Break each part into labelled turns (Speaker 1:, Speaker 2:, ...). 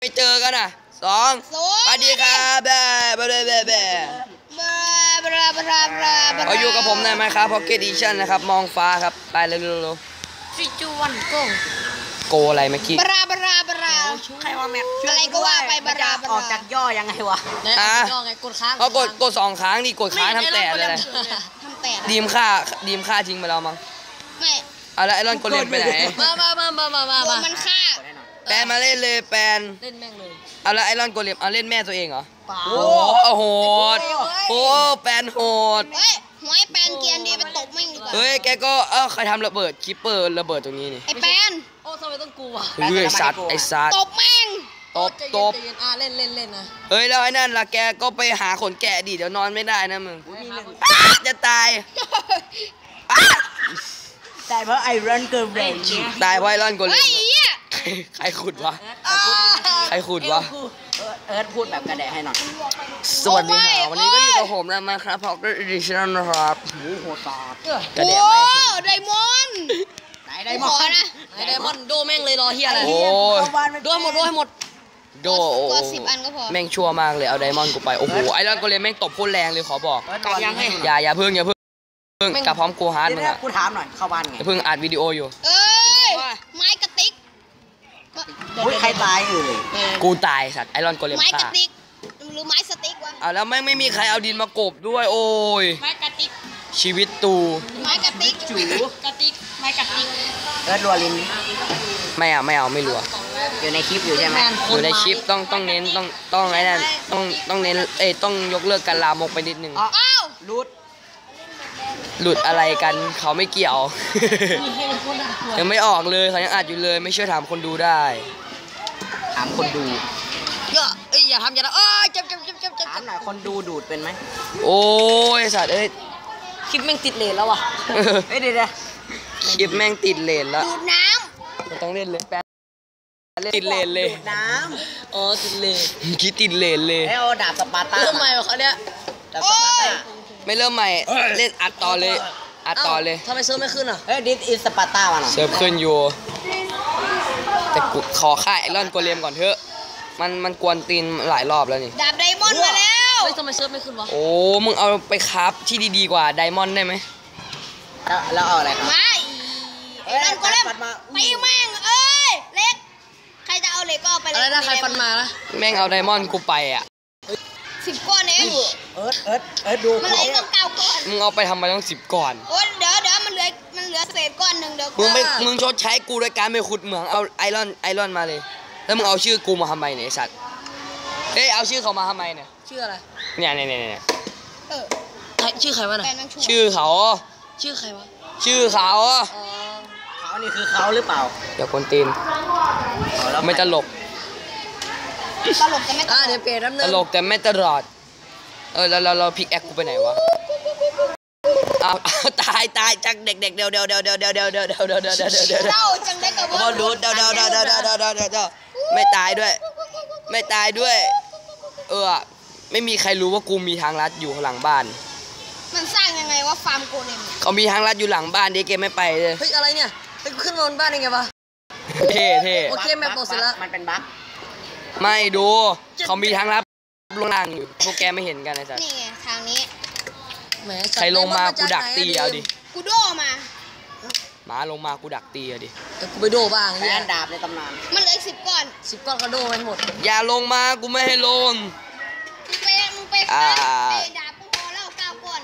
Speaker 1: ไม่เจอกันอ่ะสองสวัสดีครับเขาอยู่กับผมในไหมครับพ็อกเก็ตอีชั่นนะครับมองฟ้าครับไปเร็วๆ
Speaker 2: ฟิจูวัน
Speaker 1: โกอะไรเมื่อกี้
Speaker 2: ใครว่าแม็ก
Speaker 3: อะไรก็ว่าไป
Speaker 2: ออกจากย่อยังไงวะย่อไงกดค้าง
Speaker 1: เขากด2 ครั้งดิกดค้างทำแต่เลย
Speaker 3: ทำแต่
Speaker 1: ดีมฆ่าทิ้งไปแล้วมั้ง
Speaker 3: ไม่
Speaker 1: เอาละไอรอนโกเลมไปไหน
Speaker 3: มามันฆ่า
Speaker 1: แปนมาเล่นเลยแปน
Speaker 2: เล่นแม่งเลย
Speaker 1: เอาละไอรอนโกเลมเอาเล่นแม่ตัวเองเหรอโหดแปนโหด
Speaker 3: เฮ้ยหัวไอ้แปนเกียนดีไปตบแม่งดีกว่า
Speaker 1: เฮ้ยแกก็ใครทำระเบิดคิปเปอร์ระเบิดตรงนี้นี่
Speaker 3: ไอ้แปน
Speaker 2: โอ้ทำไมต้องกลัว
Speaker 1: ไอ้สัตว์
Speaker 3: ตบแม่ง
Speaker 1: ตบ
Speaker 2: เล่นนะ
Speaker 1: เฮ้ยแล้วไอ้นั่นล่ะแกก็ไปหาขนแกะดิเดี๋ยวนอนไม่ได้นะมึงจะตาย
Speaker 2: เพราะไอรอนเกิร์ล
Speaker 1: ตายเพราะไอรอนโกเลมใครขุดวะเ
Speaker 2: อิร์ธพูดแบบกระแดะให้หน่อย
Speaker 1: สวัสดีค่ะวันนี้ก็อยู่กับผมนะมาครับพ็อกเก็ตอีดิชั่นนะครับ
Speaker 2: โหดา
Speaker 1: กระแดะไม่
Speaker 3: ไดมอนด์
Speaker 2: ไดมอนด์โดแม่งเลยรอเฮียอะไรโดให้หมด
Speaker 3: ตัว10 อันก็พอ
Speaker 1: แม่งชั่วมากเลยเอาไดมอนด์กูไปโอ้โหไอรอนโกเลมแม่งตบโคตรแรงเลยขอบอกอย่าเพิ่งกับพร้อมกูฮาร์ดมึงอ่ะ
Speaker 2: กูถามหน่อยเข้าบ้านไง
Speaker 1: เพิ่งอัดวิดีโออยู่
Speaker 3: ไม้กระติก
Speaker 2: ใครตาย
Speaker 1: กูตายสัตว์ไอรอนโกเลม
Speaker 3: ไม้กระติกหรือไม้สติ๊กวะ
Speaker 1: เอาแล้วไม่มีใครเอาดินมากบด้วยโอ้ย
Speaker 3: ไม้กระติก
Speaker 1: ชีวิตตู
Speaker 3: ไม้กระติก
Speaker 2: จู
Speaker 3: กระติกไม้กระติก
Speaker 2: รัวลิน
Speaker 1: ไม่เอาไม่รัว
Speaker 2: อยู่ในคลิปอยู่ใช่ไหม
Speaker 1: อยู่ในคลิปต้องเน้นต้องไอ้นั่นต้องเน้นต้องยกเลิกการลามกไปนิดนึงหลุดอะไรกันเขาไม่เกี่ยวยังไม่ออกเลยเขายังอัดอยู่เลยไม่เชื่อถามคนดูได้
Speaker 2: ถามคนดู
Speaker 3: อย่าทำเจ็บ
Speaker 2: ถามหน่อยคนดูดูดเป็นไหม
Speaker 1: โอ้ยสัตว์
Speaker 2: คลิปแม่งติดเลนแล้ววะเดี๋ยว
Speaker 1: คลิปแม่งติดเลนแล้ว
Speaker 3: ดูดน้
Speaker 1: ำต้องเล่นเลยแป๊บติดเลนเลย
Speaker 2: ดูดน้
Speaker 1: ำติดเลนคิดติดเลนเลย
Speaker 2: เอาดาบสปาร์ต้า
Speaker 3: เริ่มใหม่เขาเนี้ย
Speaker 2: ดาบสปาร์ต้า
Speaker 1: ไม่เริ่มใหม่เล่นอัดต่อเลย
Speaker 2: ทำไมเซิร์ฟไม่ขึ้นอ่ะดิสอินสปาร์ต้า
Speaker 1: เซิร์ฟขึ้นอยู่แต่กูขอค่ายไอรอนโกเลมก่อนเถอะมันกวนตีนหลายรอบแล้วนี่
Speaker 3: ดาบไดมอนด์มาแล้ว
Speaker 2: ทำไมเซิร์ฟไม่ขึ้นวะ
Speaker 1: โอ้มึงเอาไปคราฟที่ดีๆกว่าไดมอนด์ได้ไหม
Speaker 2: แล้วเอาอะไรครับ
Speaker 3: ไม่ไอรอนโกเลมตีแม่งเล็กใครจะเอาเหล็กก็เอาไปเลย
Speaker 2: อะไรนะใครฟันมาละ
Speaker 1: แม่งเอาไดมอนด์กูไปอ่ะ
Speaker 3: 10 ก้อนเอง
Speaker 2: เอิร์ธดู
Speaker 3: มันเลยต้อง9 ก้อน
Speaker 1: มึงเอาไปทำไมต้อง10 ก้อน
Speaker 3: โอ้เดี๋ยวมันเหลือเศษก้อนหนึ่งเดี๋ยว
Speaker 1: มึงชดใช้กูโดยการไปขุดเหมืองเอาไอรอนมาเลยแล้วมึงเอาชื่อกูมาทำไมเนี่ยสัตว์เอาชื่อเขามาทำไมเนี่ย
Speaker 2: ชื่ออะไร
Speaker 1: เนี่ย
Speaker 2: ชื่อใครวะน่ะ
Speaker 1: ชื่อเขา
Speaker 2: ชื่อใครวะ
Speaker 1: ชื่อเขา
Speaker 2: นี่คือเขาหรือเปล่า
Speaker 1: อย่ากวนตีนไม่ตลก
Speaker 3: แต่ไม่
Speaker 2: เดี๋ยวเปลี่ยนน้ำเนื้อ
Speaker 1: ตลกแต่ไม่ตลอดแล้วเราพิกแอคกูไปไหนวะเอาตายจังเด็กเดี๋ยว
Speaker 3: เล่าจังเด็กกับ
Speaker 1: ว่าดูเดี๋ยวไม่ตายด้วยไม่มีใครรู้ว่ากูมีทางลัดอยู่หลังบ้าน
Speaker 3: มันสร้างยังไงว่าฟาร์มโกเลม
Speaker 1: เขามีทางลัดอยู่หลังบ้านเด็กเกมไม่ไปเลย
Speaker 2: เฮ้ยอะไรเนี่ยขึ้นบนบ้านยังไงวะ
Speaker 1: เท่
Speaker 2: โอเคแมปโปรเสร็จแล้ว
Speaker 3: มันเป็นบั๊ก
Speaker 1: ไม่ดูเขามีทางลัดลงล่างอยู่พวกแกไม่เห็นกันไอ้สัส
Speaker 3: นี่ไงทางนี้
Speaker 1: ใครลงมากูดักตีเอาดิ
Speaker 3: กูโดมา
Speaker 1: หมาลงมากูดักตีเอาดิ
Speaker 2: กูไปโดบ้าง
Speaker 3: แ
Speaker 2: นี่
Speaker 3: ดาบในตำนานมันเหลือ10 ก้อน
Speaker 2: 10 ก้อนก็โดไปหมด
Speaker 1: อย่าลงมากูไม่ให้ลง
Speaker 3: มึงไปดาบกูพอแล้ว9 ก้อน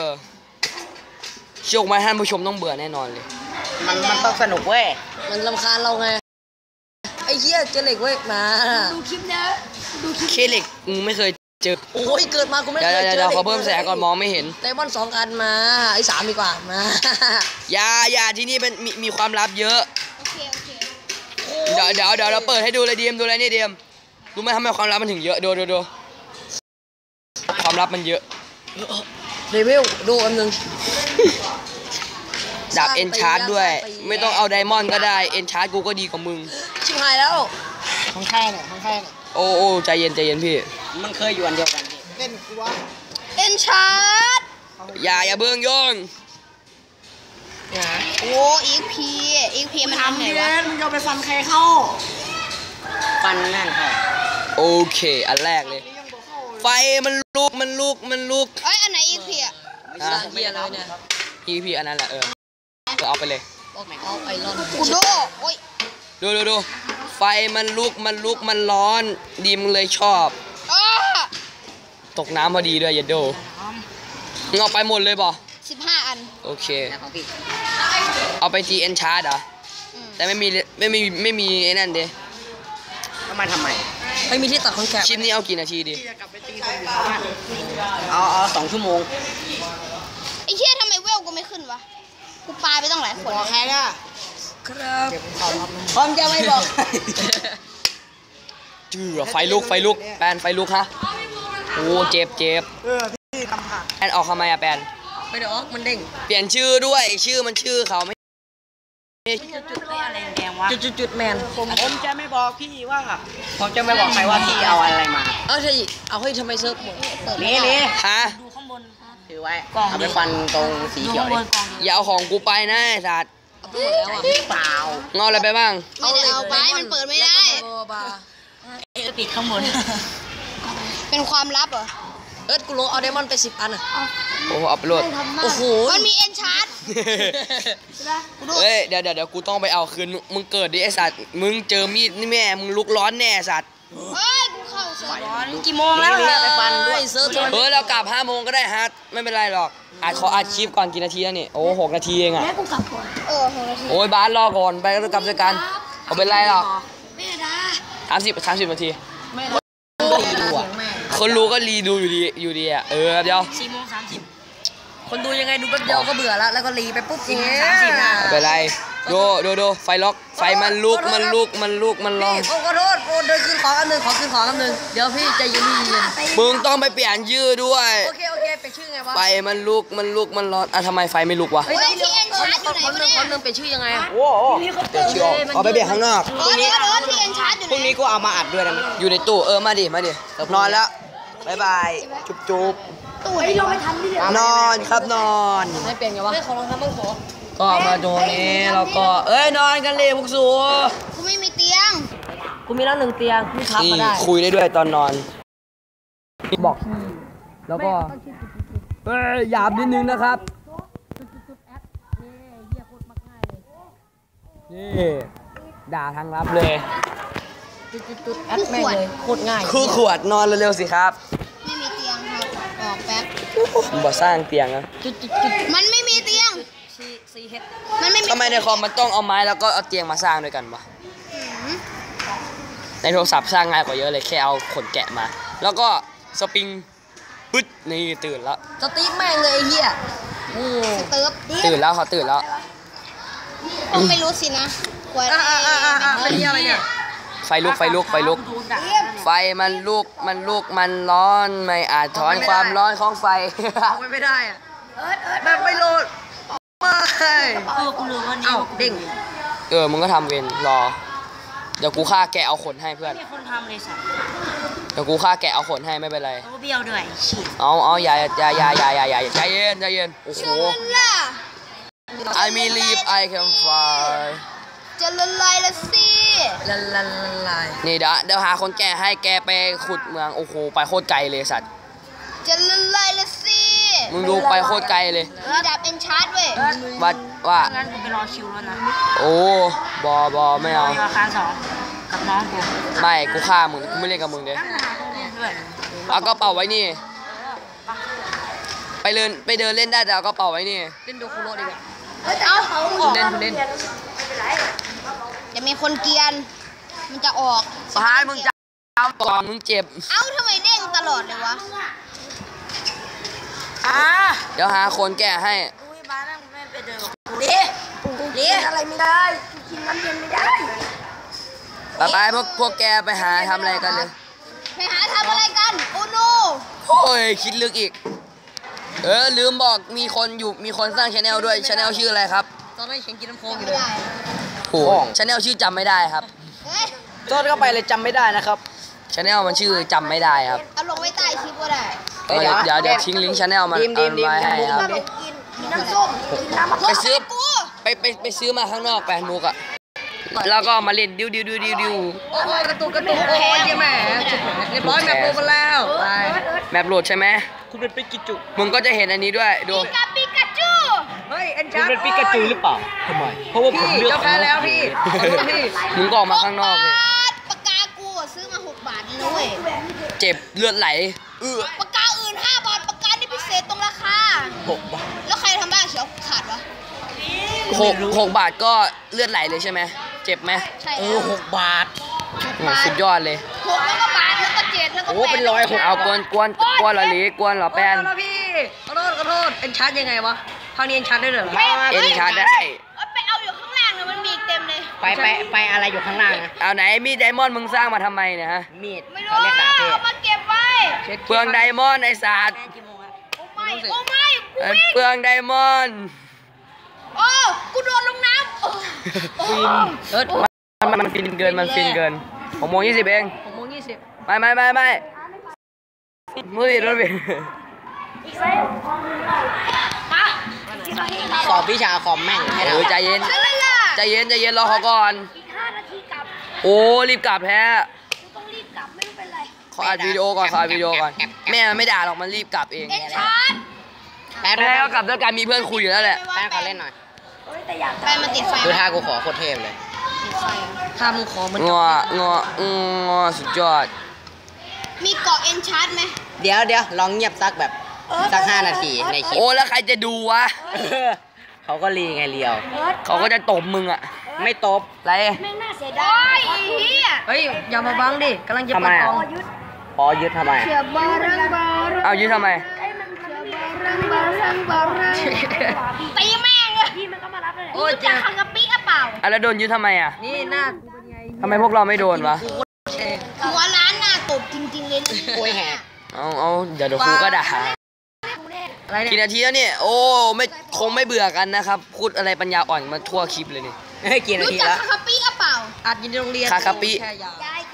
Speaker 1: โชคไหมท่านผู้ชมต้องเบื่อแน่นอนเลย
Speaker 2: มันต้องสนุกเว้ยมันรำคาญเราไงไอ้เหี้ยเจอเหล็กเว้ยมา
Speaker 3: ดูคลิปนะ
Speaker 1: เคเหล็กมึงไม่เคยเจอ
Speaker 2: โอ้ยเกิดมากูไม่เคยเจอ
Speaker 1: เขาเพิ่มแสงก่อนมองไม่เห็น
Speaker 2: ไดมอนด์2 อันมาไอ้3ดีกว่ามา
Speaker 1: อย่าที่นี่เป็นมีความลับเยอะ
Speaker 3: โอเค
Speaker 1: เดี๋ยวเราเปิดให้ดูเลยดีมดูอะไรนี่ดีมรู้ไหมทำไมความลับมันถึงเยอะดูความลับมันเยอะ
Speaker 2: เลเวลดูอันนึง
Speaker 1: ดาบเอนชาร์ดด้วยไม่ต้องเอาไดมอนด์ก็ได้เอนชาร์ดกูก็ดีกว่ามึง
Speaker 2: ชิบหายแล้วของแค่เนี่ย
Speaker 1: โอ้ใจเย็นพี่
Speaker 2: มันเคยอยู่อันเดียวกันเล่นกูวะ
Speaker 3: เอนชาร์ด
Speaker 1: อย่าเบิ่งโยง
Speaker 3: โอ้อีพีมันทำไงวะ
Speaker 2: มึงจะไปฟันใครเข้าฟันนั่นค่ะ
Speaker 1: โอเคอันแรกเลยไฟมันลุก
Speaker 3: เอ้ยอันไหนอีกพี่อ่ะ
Speaker 2: เฮียเลยเนี่ย
Speaker 1: พี่อันนั้นแหละเอาไปเลย
Speaker 2: เอาไอรอน
Speaker 3: กูโดโอ้ย
Speaker 1: ดูไฟมันลุกมันร้อนดีมเลยชอบ
Speaker 3: อ้า
Speaker 1: ตกน้ำพอดีด้วยอย่าโดมึงเอาไปหมดเลยบ่
Speaker 3: 15 อัน
Speaker 1: โอเคเอาไป GN Charge เหรอแต่ไม่มีไอ้นั่นดิ
Speaker 2: ทำไมไม่มีที่ตัดคอนแทค
Speaker 1: คลิปนี้เอากี่นาทีดี
Speaker 2: เอา2 ชั่วโมง
Speaker 3: ไอ้เชี่ยทำไมเวลกูไม่ขึ้นวะกูปาไปต้องหลายขวด
Speaker 2: บอกใครล่ะครับพร้อมจะไม่บอก
Speaker 1: จื้อไฟลุกแปนไฟลุกฮะโอ้เจ็บพี่ทำผ่านแปนออกทำไมอะแปน
Speaker 2: ไม่ได้ออกมันเด้ง
Speaker 1: เปลี่ยนชื่อด้วยชื่อมันชื่อเขาไม่
Speaker 2: จุดอะไรแดงวะจุดแมนผมจะไม่บอกพี่ว่าผมจะไม่บอกใครว่าพี่เอาอะไรมาเอาให้ทำไมเซิร์ฟหมดนี่
Speaker 1: ฮะ
Speaker 2: ดูข้างบนถือไว้เอาไปฟันตรงสีเขียว
Speaker 1: อย่าเอาของกูไปนะไอ้สัตว์
Speaker 2: เปล่า
Speaker 1: เงาอะไรไปบ้าง
Speaker 3: ไม่ได้เอาไปมันเปิดไม่ได้
Speaker 2: ปิดข้างบน
Speaker 3: เป็นความลับเหรอ
Speaker 2: กูลงเอาไดมอนด์ไป10 อันอ่ะ
Speaker 1: โอ้เอาไปโหลด
Speaker 2: โอ้โห
Speaker 3: มันมีเอ็นชาร์ด
Speaker 1: เฮ้ยเดี๋ยวกูต้องไปเอาคืนมึงเกิดดิไอสัตว์มึงเจอมีดนี่แม่มึงลุกร้อนแน่สัตว์
Speaker 3: เฮ้ยกูเข้าเซิร์ฟร้อน
Speaker 2: กี่โมงแล้วไปฟันด้วยเซิร์ฟ
Speaker 1: เรากลับ5 โมงก็ได้ฮะไม่เป็นไรหรอกขออัดคลิปก่อนกี่นาทีแล้วนี่โอ้6 นาทีเองอ่ะ
Speaker 3: แม่กูกลับก่อน6 นาที
Speaker 1: โอ้ยบ้านรอก่อนไปก็กลับด้วยกันเอาเป็นไรหรอก
Speaker 3: แม่ดา
Speaker 1: 30 นาทีคนรู้ก็รีดูอยู่ดีอ่ะเดี๋ยว
Speaker 2: 4:30คนดูยังไงดูแป๊บเดียวก็เบื่อแล้วก็รีไปปุ๊บ
Speaker 1: 4:30ไปไรดูไฟล็อกไฟมันลุกมันร้อน
Speaker 2: ขอโทษเดินขึ้นของอันนึงเดี๋ยวพี่ใจเย็น
Speaker 1: มึงต้องไปเปลี่ยนชื่อด้วย
Speaker 2: โอเคเปลี่ยนชื่อไงวะ
Speaker 1: ไฟมันลุกมันร้อนทำไมไฟไม่ลุกวะ
Speaker 3: ที่เอ็นชาร์จอยู่ไหนวะเนี่ย
Speaker 2: คนนึงเปลี่ยนชื่อยังไง
Speaker 1: โอ้เปลี่ยนชื่อเอาไปเปลี่ยนข้างนอก
Speaker 3: ที่เอ็นชาร์จอยู่ไหน
Speaker 2: พรุ่งนี้กูเอามาอัดด้วยนะ
Speaker 1: อยู่ในตู้มาดินอนแล้วบายจุ๊บ
Speaker 3: ตู้ไหนเราไม่ทันดิ
Speaker 1: นอนครับนอน
Speaker 2: ไม่เปลี่ยนไงวะไม่ขอลองทำบ้างขอ
Speaker 1: ก็มาตรงนี้แล้วก็นอนกันเลยพวกสู
Speaker 3: กูไม่มีเตียง
Speaker 2: กูมีแล้ว1 เตียงมึงทับมาได้
Speaker 1: คุยได้ด้วยตอนนอนบอกแล้วก็หยาบนิดนึงนะครับนี่ด่าทางลับเลย
Speaker 2: แอดแม่งเลยโคตรง่าย
Speaker 1: คู่ขวดนอนเร็วๆสิครับ
Speaker 3: ไม่มีเตียงครับออกแป๊บ
Speaker 1: บ่สร้างเตียงนะ
Speaker 3: มันไม่มีเตียง
Speaker 1: มันไม่มีทำไมในคอมมันต้องเอาไม้แล้วก็เอาเตียงมาสร้างด้วยกันวะในโทรศัพท์สร้างง่ายกว่าเยอะเลยแค่เอาขนแกะมาแล้วก็สปริงปึ๊ดนี่ตื่นแล้ว
Speaker 2: สตีฟแม่งเลยไอ้เหี้ย
Speaker 1: ตื่นแล้วเขาตื่นแล้ว
Speaker 3: ไม่รู้สินะ
Speaker 2: เป็นอะไรเนี่ย
Speaker 1: ไฟลุกไฟมันลุกมันร้อนไม่อาจถอนความร้อนของไฟ
Speaker 2: ไม่ได้อะแบบไม่โหลดไม่กูลืมว่านี่เด้ง
Speaker 1: มึงก็ทำเวรรอเดี๋ยวกูฆ่าแกะเอาขนให้เพื่อน
Speaker 2: คนทำเลยสัตว์
Speaker 1: เดี๋ยวกูฆ่าแกะเอาขนให้ไม่เป็นไร
Speaker 2: เบี้ยวด้วยฉีด
Speaker 1: เอาอย่าใจเย็นโอ้โหI believe I can fly
Speaker 3: จะละลายละสิ
Speaker 2: ละลาย
Speaker 1: นี่เดี๋ยวหาคนแก่ให้แกไปขุดเมืองโอ้โหไปโคตรไกลเลยสัตว์
Speaker 3: จะละลายละสิ
Speaker 1: มึงดูไปโคตรไกลเลย
Speaker 3: มีดาบเอ็นชาร์ดเว้ย
Speaker 1: ว่า
Speaker 2: งั้นกูไปรอคิวแล้วนะ
Speaker 1: โอ้บอไม่เอา
Speaker 2: ราคา2กับน้องกู
Speaker 1: ไม่กูฆ่ามึงกูไม่เล่นกับมึงเด้เอากระเป๋าไว้นี่ไปเดินเล่นได้แต่เอากระเป๋าไว้นี่
Speaker 2: เล่นโดคุโร่ดีกว่า
Speaker 3: เล่นจะมีคนเกียนมันจะออก
Speaker 1: พายมึงจะเอาก่อนมึงเจ็บ
Speaker 3: ทำไมเด้งตลอดเลยวะ
Speaker 1: เดี๋ยวหาคนแก่ให้
Speaker 2: บ้านนั่งแม่ไปเดินเลี้ยอะไรไม่ได้กินน้ำเย็นไม่ได้
Speaker 1: ไปพวกแกไปหาทำอะไรกันเลย
Speaker 3: ไปหาทำอะไรกันโอ้โน
Speaker 1: โอ้ยคิดลึกอีกลืมบอกมีคนสร้างชาแนลด้วยชาแนลชื่ออะไรครับ
Speaker 2: ตอนนั้นฉันกินน้ำโค้งอยู่เลย
Speaker 1: โอ้ชาแนลชื่อจำไม่ได้ครับ
Speaker 2: โจทย์เข้าไปเลยจำไม่ได้นะครับ
Speaker 1: ชาแนลมันชื่อจำไม่ได้ครับ
Speaker 3: เอาลงไว้ใต้คลิปก็ได้
Speaker 1: เดี๋ยวทิ้งลิงก์ชาแนลมันไว้ให้ครับ
Speaker 3: น้ำส้ม
Speaker 1: ไปซื้อมาข้างนอก8 มุกอ่ะแล้วก็มาเล่นดิว
Speaker 2: โอ้ยกระตุกโอ้ยแม่เรียบร้อยแมปโปรกันแล้วไป
Speaker 1: แมปโหลดใช่ไหม
Speaker 2: คุณเป็นปิกาจู
Speaker 1: มึงก็จะเห็นอันนี้ด้วยดู
Speaker 3: ปิกาจู
Speaker 2: เฮ้ยเอ็น
Speaker 4: คุ
Speaker 2: ชา
Speaker 4: ณ
Speaker 2: ร์
Speaker 4: เป็นปิกาจูหรือเปล่าทำไมเพราะว่าผม
Speaker 2: พี่
Speaker 4: เลือก
Speaker 2: เจ้าแพ้แล้วพี่พี่
Speaker 1: มึงก็ออกมาข้างนอกเลย
Speaker 3: ปากกากูซื้อมา6 บาทเลยเว้ย
Speaker 1: เจ็บเลือดไหล
Speaker 3: ปากกาอื่น5 บาทปากกานี่พิเศษตรงราคา
Speaker 4: 6 บาท
Speaker 3: แล้วใครทำบ้างเขียวขาดวะ
Speaker 1: 6 บาทก็เลือดไหลเลยใช่ไหมเจ็บไหม
Speaker 3: ใช่
Speaker 4: 6 บาท
Speaker 1: สุดยอดเลย
Speaker 3: 6แล้วก็บาทแล้วก็7แล้วก็
Speaker 4: โอ้เป็น100
Speaker 1: เอากวนเหรอหลีกวนเหรอแป้น
Speaker 2: ขอโทษพี่ขอโทษเอ็นชาร์ยังไงวะคราวนี้เอ็นชาร์ได้เลยเหรอ
Speaker 1: เอ็นชาร์จได้
Speaker 3: ไปเอาอยู่ข้างล่างเลยมันมีเต็มเลย
Speaker 4: ไปอะไรอยู่ข้างล่างนะ
Speaker 1: เอาไหนมีดไดมอนด์มึงสร้างมาทำไมเนี่ยฮะ
Speaker 4: มีด
Speaker 3: ไม่
Speaker 4: เขา
Speaker 3: รู้
Speaker 4: เรียกดาบเทพ
Speaker 3: เอามาเก็บไว้
Speaker 1: เปลืองไดมอนด์ไอ้สัตว์
Speaker 3: โอ้ไม่กูวิ่ง
Speaker 1: เปลืองไดมอนด์
Speaker 3: โอ้กูโดนลงน้ำ
Speaker 1: มันฟินเกิน6:20เอง
Speaker 2: 6:20
Speaker 1: ไม่มือผิด
Speaker 4: สอบวิชาคอมแม่งให้ได้
Speaker 1: ใจเย็น
Speaker 3: อะไรล่ะ
Speaker 1: ใจเย็นรอเขาก่อน
Speaker 3: อีก5 นาทีกลับ
Speaker 1: โอ้รีบกลับแท้
Speaker 3: ต้องรีบกลับไม่รู้เป็นไร
Speaker 1: ขออัดวิดีโอก่อนแม่มันไม่ด่าหรอกมันรีบกลับเอง
Speaker 3: เอ็นชาร์จ
Speaker 4: แป๊บ
Speaker 1: แม่ก็กลับด้วยกันมีเพื่อนคุยอยู่แล้วแหละ
Speaker 4: แป๊บขอเล่นหน่อย
Speaker 3: ไปมาติดไฟ
Speaker 4: ดูท่ากูขอโคตรเทพเลย
Speaker 2: ถ้ามึงขอมัน
Speaker 1: งอสุดยอด
Speaker 3: มีเกาะเอ็นชาร์จไหม
Speaker 4: เดี๋ยวลองเงียบสักแบบสัก5 นาทีในคลิป
Speaker 1: โอ้แล้วใครจะดูวะ
Speaker 4: เขาก็รีไงเลียว
Speaker 1: เขาก็จะตบมึงอะ
Speaker 4: ไม่ตบ
Speaker 1: ไร
Speaker 3: แม่งน่าเสียดายเฮีย
Speaker 2: เฮ้ยอย่ามาบังดิกำลังจะเปิดกล่อง
Speaker 4: พอยึดทำไม
Speaker 3: เสือบารังบารัง
Speaker 1: เอายืนทำไม
Speaker 3: ตีแม่งอะพี่มันก็มารับเลยโอ้ยจะขังกะปิอะเปล่า
Speaker 1: อ่ะแล้วโดนยืนทำไมอะ
Speaker 2: นี่หน้ากูเป็นไง
Speaker 1: ทำไมพวกเราไม่โดนวะ
Speaker 3: หัวร้านหน้าตบจริงๆเลย
Speaker 4: โอ้ยแหก
Speaker 1: เอาเดี๋ยวครูก็ด่า
Speaker 2: อะไร
Speaker 1: กี่
Speaker 2: เนี่ย
Speaker 1: นาทีแล้วเนี่ยโอ้คงไม่เบื่อกันนะครับพูดอะไรปัญญาอ่อนมาทั่วคลิปเลยนี่
Speaker 4: เฮ้ยกี่นา
Speaker 3: รู้
Speaker 4: ที
Speaker 3: จัก
Speaker 4: แล้ว
Speaker 3: ขังกะปิอะเปล่า
Speaker 2: อัดอยู่ในโรงเรียน
Speaker 1: คาคาปิ
Speaker 2: แค่ยาว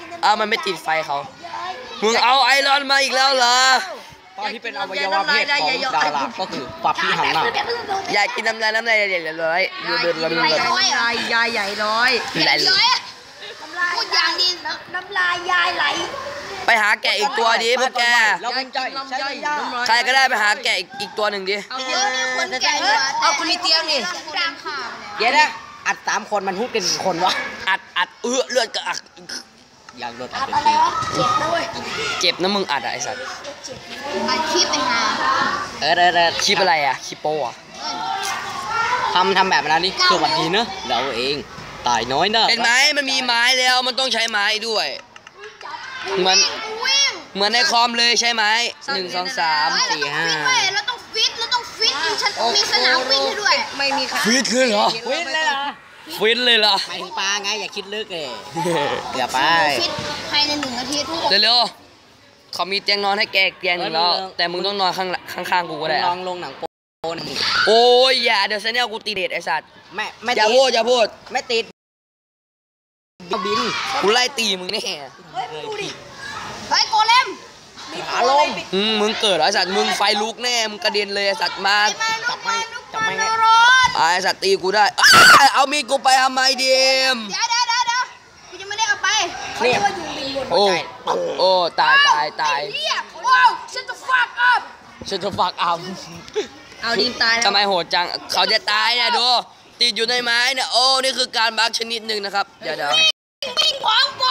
Speaker 1: มันไม่ติดไฟเขามึงเอาไอรอนมาอีกแล้วเหรอ
Speaker 4: ตอนที่เป็นอวัยวะเพศของดาราก็คือปับพี่หันหน้า
Speaker 1: อยากกินน้ำลายเดี๋ยวเลยเดิน
Speaker 2: ยายใหญ่ร้อย
Speaker 1: ไหล
Speaker 3: ร้อยอะพูดอย่างดีน้ำลายยายไหล
Speaker 1: ไปหาแกะอีกตัวดิพวกแก
Speaker 4: แล้วมึงใจใช้ยา
Speaker 1: ใครก็ได้ไปหาแกะอีกตัวหนึ่งดิ
Speaker 2: เอา
Speaker 3: เดี๋ยวนี้คนแก่
Speaker 2: เอาคุณมีเตียงนี่
Speaker 3: ดังข่าว
Speaker 4: เดี๋ยวนะอัด3 คนมันพูดกันกี่คนวะ
Speaker 1: อัดเลือดกระอัก
Speaker 4: อยากโดนอัดเป็น
Speaker 3: อะไร
Speaker 4: ที
Speaker 3: วะเจ็บด้วย
Speaker 1: เจ็บนะมึงอัดอะไอสัตว์
Speaker 3: อัดคลิปไปหา
Speaker 1: คลิปอะไรอะคลิปโป้อะ
Speaker 4: ทำแบบนั้นนี่สวัสดีเนอะเราเองตายน้อยเนอะ
Speaker 1: เห็นไหมมันมีไม้แล้วมันต้องใช้ไม้ด้วยเหมือน
Speaker 3: กูวิ่ง
Speaker 1: เหมือนในคอมเลยใช่ไหม1 2 3
Speaker 3: เราต้องฟิตฉันมีสนามวิ่งให้ด้วย
Speaker 2: ไม่มีใคร
Speaker 1: ฟิตเลยเหรอ
Speaker 4: วินเลยเหรอ
Speaker 1: ฟิตเลยเหรอ
Speaker 4: หมายถึงปลาไงอย่าคิดลึกเลยเกือบไป
Speaker 3: ฟิตภายใน1 อาทิตย์
Speaker 1: เร็วๆเขามีเตียงนอนให้แกอีกเตียงหนึ่งแล้วแต่มึงต้องนอนข้างๆกูก็ได้
Speaker 4: ล
Speaker 1: อะ
Speaker 4: องลงหนังโป๊หนึ่ง
Speaker 1: โอ้ยอย่าเดี๋ยวเซนเนลกูตีเดทไอสัตว์
Speaker 4: ไม่
Speaker 1: อย่า
Speaker 4: ติด
Speaker 1: พูด
Speaker 4: ไม่ติดบิน
Speaker 1: กูไล่ตีมึงแน่
Speaker 3: เฮ้ยโกเลม
Speaker 4: ขาลง
Speaker 1: มึงเกิดเหรอไอสัตว์มึงไฟลุกแน่มึงกระเด็นเลยไอสัตว์มา
Speaker 4: จับไม่ไง
Speaker 3: รถ
Speaker 1: ไอสัตว์ตีกูได้เอามีดกูไปทำไมเดีม
Speaker 3: เดี๋ยวกูยังไม่ได้เอาไป
Speaker 4: เนี่ย
Speaker 1: โอ้โอ้ตาย
Speaker 3: เฮียว้าวฉันจะฟักอัพ
Speaker 1: ฉันจะฝากเอา
Speaker 2: เอาดีมตายแล้ว
Speaker 1: ทำไมโหดจังเขาจะตายเนี่ยดูติดอยู่ในไม้เนี่ยโอ้นี่คือการบักชนิดหนึ่งนะครับเดี๋ยว
Speaker 3: วิ่งของกู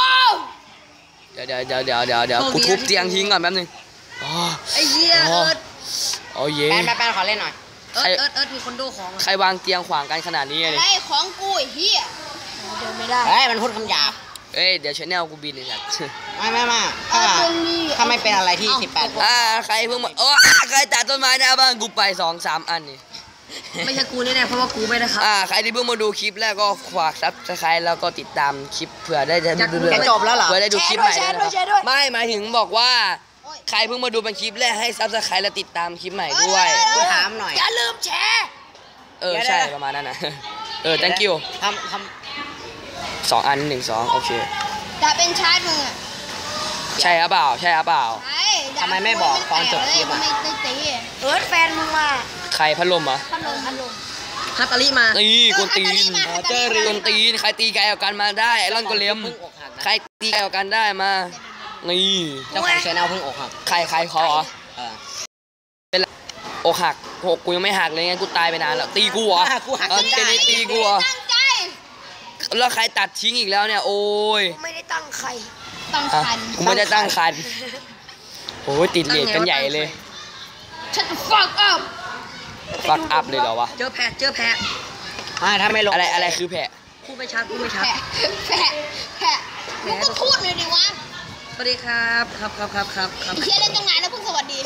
Speaker 1: กูทุบเตียงทิ้งก่อนแป๊บนึงอ๋อ
Speaker 2: ไอ้เหี้ยเอิร์ด
Speaker 1: โอ้เย่
Speaker 4: แป๊บขอเล่นหน่อย
Speaker 2: เอิร์ดมีคนดูของ
Speaker 1: ใครวางเตียงขวางกันขนาดนี้
Speaker 3: อะ
Speaker 1: เลย
Speaker 3: ไรของกูไอ้เฮียเดินไม่ได้
Speaker 4: เฮ้ยมันพูดคำหยาบ
Speaker 1: เอ้ยเดี๋ยวชแนลกูบินเลยสัตว์
Speaker 4: ไม่ถ้าไม่เป็นอะไรที่18
Speaker 1: ใครเพิ่งมาโอ้ใครตัดต้นไม้หน้าบ้านกูไป2-3 อันนี่
Speaker 2: ไม่ใช่กูแน่ๆเพราะว่ากูไม่ได้ครับ
Speaker 1: ใครที่เพิ่งมาดูคลิปแรกก็ฝากซับสไครต์แล้วก็ติดตามคลิปเผื่อได้จะ
Speaker 4: จะจบแล้วเหรอ
Speaker 1: เผื่อได้ดูคลิปใหม่ด้วยนะครับไม่หมายถึงบอกว่าใครเพิ่งมาดูเป็นคลิปแรกให้ซับสไครต์และติดตามคลิปใหม่ด้วย
Speaker 4: กูถามหน่อย
Speaker 3: อย่าลืมแชร์
Speaker 1: ใช่ประมาณนั้นนะthank you
Speaker 4: ทำ
Speaker 1: 2 อัน 1 2โอเค
Speaker 3: ดาบเป็นชาร์จมึงอ่ะ
Speaker 1: ใช่หรือเปล่า
Speaker 3: ใช่ดาบ
Speaker 4: ทำไมไม่บอกตอนจบคลิปอะ
Speaker 3: ไม่ได้ตีเอิร์ธแฟนมึงมา
Speaker 1: ใครพัดลมอ่ะ
Speaker 3: พัดลม
Speaker 2: ฮัตตาลิมา
Speaker 1: นี่กวนตีน
Speaker 3: เจอ
Speaker 1: กวนตีนใครตีไกลกว่ากันมาได้ไอรอนก็เลี้ยม
Speaker 4: เพิ่งอกหักนะ
Speaker 1: ใครตีไกลกว่ากันได้มานี่
Speaker 4: เจ้าของชาแนลเพิ่งอกหัก
Speaker 1: ใครเขาเหรอ
Speaker 4: เออ
Speaker 1: อกหักกูยังไม่หักเลยไงกูตายไปนานแล้วตีกูเหรอ
Speaker 4: กูหัก
Speaker 1: เจนี่ตีกูเหรอ
Speaker 3: ตั้งใจ
Speaker 1: แล้วใครตัดทิ้งอีกแล้วเนี่ยโอ้ย
Speaker 3: ไม่ได้ตั้งใครตั้ง
Speaker 1: อ่ะ
Speaker 3: คัน
Speaker 1: กูไม่ได้ตั้งคันโอ้ยติดเลทกันใหญ่เลย
Speaker 3: ฉันฟักอัพ
Speaker 1: ฟักอัพเลยเหรอวะ
Speaker 2: เจอแพะ
Speaker 4: ถ้าไม่ลง
Speaker 1: อะไรคือแผะ
Speaker 2: พูดไม่ชัด
Speaker 3: แพะมึงก็พูดเลยดิวะ
Speaker 2: สวัสดีครับครับ
Speaker 3: เฮียเล่นตรงไหนแล้วเพิ่งสวัสดี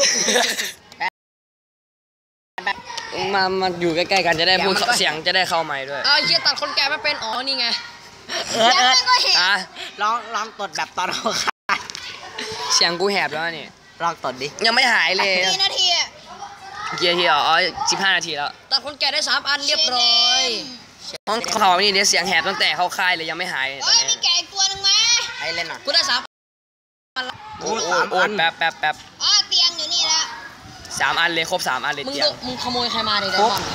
Speaker 1: มาอยู่ใกล้ๆกันจะได้พูดเสียงจะได้เข้าไมค์ด้วย
Speaker 2: เอาเฮียตัดคนแก่ไม่เป็นอ๋อนี่ไง
Speaker 4: เอิร์ด
Speaker 3: แล้วมันก็เห็น
Speaker 1: อ่ะ
Speaker 4: ลองตดแบบตอนเขาขาด
Speaker 1: เสียงกูแหบแล้วนี่
Speaker 4: ลองตดดิ
Speaker 1: ยังไม่หายเลย
Speaker 3: กี่นาทีอะ
Speaker 1: เกียร์ที่อ๋อ15 นาทีแล้ว
Speaker 2: ตัดคนแก่ได้3 อันเรียบร้อย
Speaker 1: ห้องเขานี่เดี๋ยวเสียงแหบตั้งแต่เข้าค่ายเลยยังไม่หายตอ
Speaker 3: เอ้
Speaker 1: น
Speaker 3: ย
Speaker 1: นี้
Speaker 3: มีแกะอีกตัวหนึงไหม
Speaker 4: ให้เล่นหน่อย
Speaker 2: กูได้3
Speaker 1: โอ้ยแป๊บ
Speaker 3: อ๋อเตียงอยู่นี่ละ
Speaker 1: 3 อันเลยครบ3 อันเลย
Speaker 2: มึง
Speaker 1: เตียง
Speaker 2: มึงขโมยใครมาเนี่ยไดมอนด์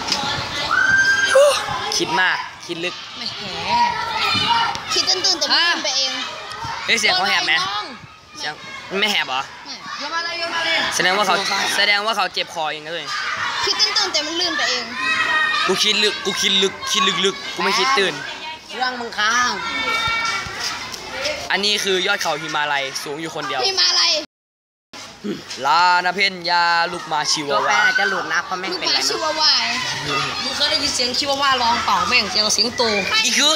Speaker 1: คิดมากคิดลึก
Speaker 2: ไม่แห
Speaker 3: คิดตื่นๆแต่ไม่ตื่นไปเอง
Speaker 1: เฮ้ยเสียงเขาแหบไหม
Speaker 2: น้อง
Speaker 1: เสียงไม่แหบเหรอ
Speaker 3: ไม่
Speaker 2: โยนมาเลย
Speaker 1: แสดงว่าเขาเจ็บคอเองนะเลย
Speaker 3: คิดตื่นๆแต่มันลื่นไปเอง
Speaker 1: กูคิดลึกกูไม่คิดตื่น
Speaker 4: เรื่องมึงค้าง
Speaker 1: อันนี้คือยอดเขาหิมาลัยสูงอยู่คนเดียว
Speaker 3: พี่มาอะไร
Speaker 1: ลานาเพนยาลูกมาชิ
Speaker 4: ตัว
Speaker 1: วา
Speaker 4: แปร
Speaker 1: วา
Speaker 4: อาจจะหลุดนะเพราะแม่ง
Speaker 3: ลูก
Speaker 4: เป็น
Speaker 3: ห
Speaker 4: อะไร
Speaker 3: มาชิ
Speaker 4: นะ
Speaker 3: วาวาย
Speaker 2: มึงเคยได้ยินเสียงชิวาว่าร้องเปล่าแม่งเสียงสิงโต
Speaker 1: อีกคือ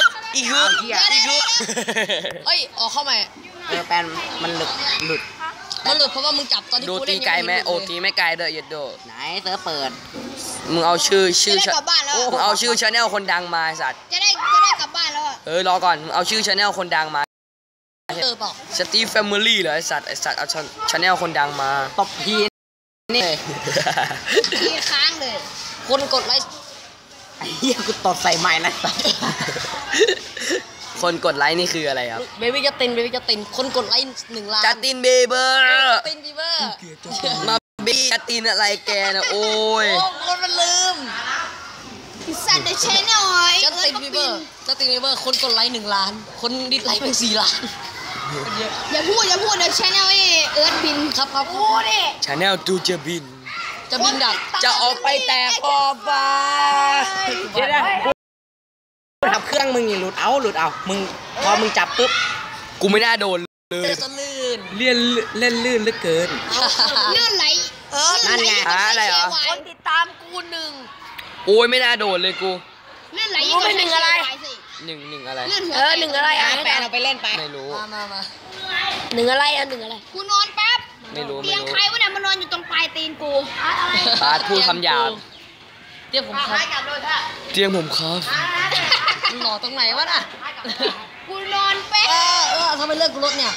Speaker 2: เอ้ยออกเข้ามา
Speaker 4: แปรมันหลุด
Speaker 2: มันหลุดเพราะว่ามึงจับตอนที่
Speaker 1: ดู
Speaker 2: กู
Speaker 1: ตี
Speaker 2: เล่น
Speaker 1: ไกลไหม
Speaker 2: ยัง
Speaker 1: โอ
Speaker 2: หลุด
Speaker 1: ตีไม่ไกลเด้อเย็ดโด
Speaker 4: ไหนเซิร์ฟเปิด
Speaker 1: มึงเอาชื่อ
Speaker 3: จะได้กลับบ้านแล้ว
Speaker 1: มึงเอาชื่อชาแนลคนดังมาไอ้สัตว์
Speaker 3: จะได้กลับบ้านแล้วอะ
Speaker 1: รอก่อนมึงเอาชื่อชาแนลคนดังมา
Speaker 2: เปล่า
Speaker 1: สตีฟแฟมิลี่เหรอไอสัตว์เอาชาแนลคนดังมา
Speaker 4: ตบพีนี่
Speaker 3: ทีค้างเลย
Speaker 2: คนกดไลค์
Speaker 4: ไอ้เหี้ยกูตดใส่ไม้นะ
Speaker 1: คนกดไลค์นี่คืออะไรครับ
Speaker 2: เบบี้จะตินคนกดไลค์1 ล้าน
Speaker 1: จัสตินเบเบอร์
Speaker 2: จัสตินบีเบอร์
Speaker 1: มาบีจัสตินอะไรแกนะโอ้ย
Speaker 2: โอ้คนมันลืม
Speaker 3: สัตว์เดชหน่อย
Speaker 2: จัสตินบีเบอร์คนกดไลค์1 ล้าน คนดิสไลค์ไป4 ล้าน
Speaker 3: อย่าพูดเดี๋ยวชแนลไอ้เอิร์ธบิน
Speaker 2: ครับ
Speaker 3: พูดดิ
Speaker 1: ชาแนลดูจะบิน
Speaker 2: จะบินดัก
Speaker 1: จะออกไปแตกขอบฟ้า
Speaker 4: เดี๋ยวนะกูทำเครื่องมึงนี่หลุดเอามึงพอมึงจับปุ๊บ
Speaker 1: กูไม่น่าโดนเลย
Speaker 2: เจอสลื่น
Speaker 4: เล่นลื่นเหลือเกิน
Speaker 3: เลื่อนไหล
Speaker 4: นั่นไง
Speaker 1: อะไรเหรอ
Speaker 2: คนติดตามกู
Speaker 1: โอ้ยไม่น่าโดนเลยกู
Speaker 3: เลื่อนไหล
Speaker 2: รู้ไหมหนึ่งอะไร
Speaker 1: หนึ่งอะไร
Speaker 3: เลื่อนหัว
Speaker 2: 1 อะไรอ่ะ
Speaker 4: แปรเอาไปเล่นไป
Speaker 1: ไม่รู้
Speaker 2: มา1 อะไรอ่ะ1 อะไร
Speaker 3: กูนอนแป๊บ
Speaker 1: ไม่รู้
Speaker 3: เตียงใครวะเนี่ยมานอนอยู่ตรงปลายตีนกู
Speaker 1: บาสพูดคำหยาบ
Speaker 2: เดี๋ยวผมครับ
Speaker 1: เตียงผมครับ
Speaker 2: มึงหล่อตรงไหนวะน่ะ
Speaker 3: กูนอนแป๊บ
Speaker 2: ทำไมเลิกกูรถเนี่ย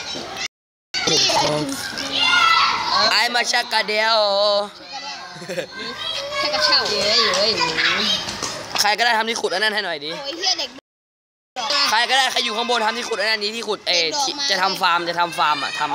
Speaker 1: ไอ้มาชักกะเดียว
Speaker 3: แค่กระเช่า
Speaker 2: เย้
Speaker 1: ใครก็ได้ทำที่ขุดอันนั้นให้หน่อยดิ
Speaker 3: โอ้ยเฮียเด็ก
Speaker 1: ใครก็ได้ใครอยู่ข้างบนทำที่ขุดอันนั้นนี้ที่ขุดจะทำฟาร์มอ่ะทำ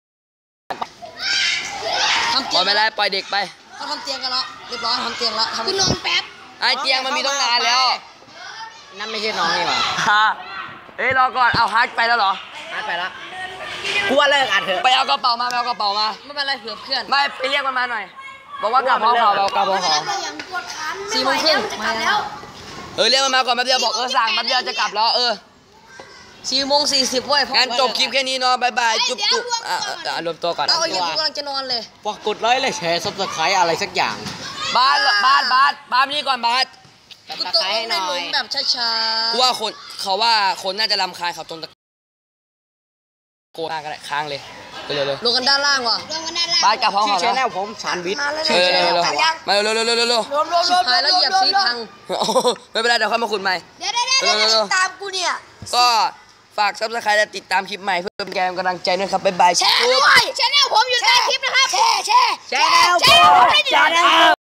Speaker 2: ทำ
Speaker 1: ปล่อยไปเลยปล่อยเด็กไป
Speaker 2: เขาทำเตียงกันแล้วเรียบร้อยทำเตียงแล้วทำ
Speaker 3: กูนอนแป๊บ
Speaker 1: ไอ้เตียงมันมีต้องนานแล้ว
Speaker 4: นั่นไม่ใช่น้องนี่หว่า
Speaker 1: ฮะเอ้ยรอก่อนเอาฮาร์ดไปแล้วเหรอ
Speaker 4: ไปละกูว่าเลิกอัดเถอะ
Speaker 1: ไปเอากระเป๋ามา
Speaker 2: ไม่เป็นไรเผื่อเพื่อน
Speaker 1: ไม่ไปเรียกมันมาหน่อยบอกว่ากลับพร้อมเขาเรากลับพร้อมเขา
Speaker 3: อย่างปวดขา
Speaker 2: 4 โมงครึ่งมาแล้ว
Speaker 1: เรียกมันมาก่อนแป๊บเดียวบอกสั่งแป๊บเดียวจะกลับแล้ว
Speaker 2: 4 โมง 40เว้ย
Speaker 1: งั้นจบคลิปแค่นี้เนาะบายบายจุ๊บรวมตัวก่อน
Speaker 2: เอาไอ้เหี้ยกูกำลังจะนอนเลย
Speaker 4: ฝากกดไลค์และแชร์ซับสไครต์อะไรสักอย่าง
Speaker 1: บาสนี่ก่อนบาส
Speaker 2: กูตกลงในหลุมแบบช้า
Speaker 1: กูว่าคนน่าจะรำคาญเขาตรงตะโกนก็ได้ค้างเลยเร็ว
Speaker 2: ๆลงกันด้านล่างว่ะ
Speaker 3: ลงกันด้านล่าง
Speaker 1: บาสกลับพร้อม
Speaker 4: ชื่อ
Speaker 1: เขา
Speaker 4: ชแน
Speaker 1: แล้ว
Speaker 4: ลผมชานวิทย์
Speaker 1: เร็วมาเร็ว
Speaker 2: ชิบหายแล้วเหยียบซีพัง
Speaker 1: ไม่เป็นไรเดี๋ยวค่อยมาขุดใหม่
Speaker 3: เดี๋ยว
Speaker 2: ตามกูเนี่ย
Speaker 1: ก็ฝากซับสไครต์และติดตามคลิปใหม่เพื่อเป็นกำลังใจด้วยครับบ๊ายบาย
Speaker 3: แชร์ด้วยชแนลผมอยู่ใต้คลิปนะครับแชร์
Speaker 4: ชแนลผม